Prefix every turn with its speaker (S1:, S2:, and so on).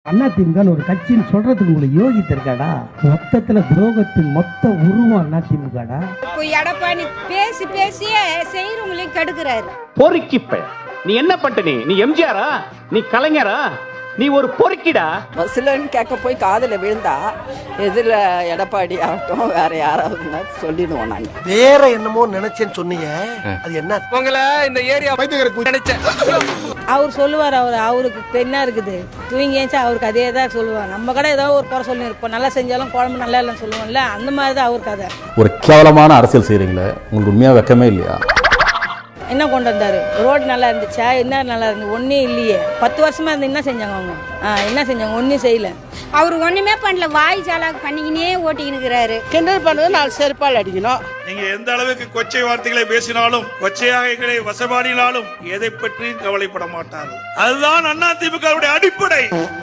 S1: அதிமுக ஒரு கட்சின்னு சொல்றதுக்கு உங்களுக்கு யோகித்து இருக்காடா? மொத்தத்துல துரோகத்தின் மொத்த உருவம் அதிமுகடா.
S2: இப்போ எடப்பாடி பேசி பேசியே செய்யறவங்களையும் கெடுக்கிறாரு.
S3: பொறுக்கிப்ப நீ என்ன பண்ணிட்ட? நீ எம்ஜிஆரா? நீ கலைஞரா? நீ ஒரு பொறுக்கிடா.
S4: பஸ்லன்னு கேட்க போய் காதல விழுந்தா எதிரில் எடப்பாடி ஆகட்டும் வேற யாராவது சொல்லிடுவோம். நாங்க
S5: வேற என்னமோ நினைச்சேன்னு சொன்னீங்க, அது என்ன?
S6: உங்களை இந்த ஏரியா நினைச்சேன்.
S2: அவர் சொல்லுவார், அவருக்கு என்ன இருக்குது தூங்கி ஏச்சா அவருக்கு அதே தான் சொல்லுவார். நம்ம கடை ஏதோ ஒரு குறை சொல்லி இருப்போம், நல்லா செஞ்சாலும் குழம்பு நல்லா இல்லைன்னு சொல்லுவோம்ல, அந்த மாதிரி தான் அவருக்கு அதை.
S7: ஒரு கேவலமான அரசியல் செய்கிறீங்களே, உங்களுக்கு உண்மையாக வெக்கமே இல்லையா?
S2: என்ன கொண்டு வந்தாரு? ரோடு நல்லா இருந்துச்சா? என்ன நல்லா இருந்து? ஒன்றும் இல்லையே. 10 வருஷமா இருந்து என்ன செஞ்சாங்க அவங்க? என்ன செஞ்சாங்க? ஒன்றும் செய்யல. அவர் ஒண்ணுமே பண்ணல, வாய் சாலாக்கு பண்ணிக்கினே ஓட்டிக்கின்னு இருக்கிறாரு.
S4: கிண்டல் பண்ணது 4 செருப்பால் அடிக்கணும்.
S8: நீங்க எந்த அளவுக்கு கொச்சை வார்த்தைகளை பேசினாலும், கொச்சையாகைகளை வசபாடினாலும் எதை பற்றியும் கவலைப்பட மாட்டார்கள். அதுதான் அதிமுகவுடைய அடிப்படை.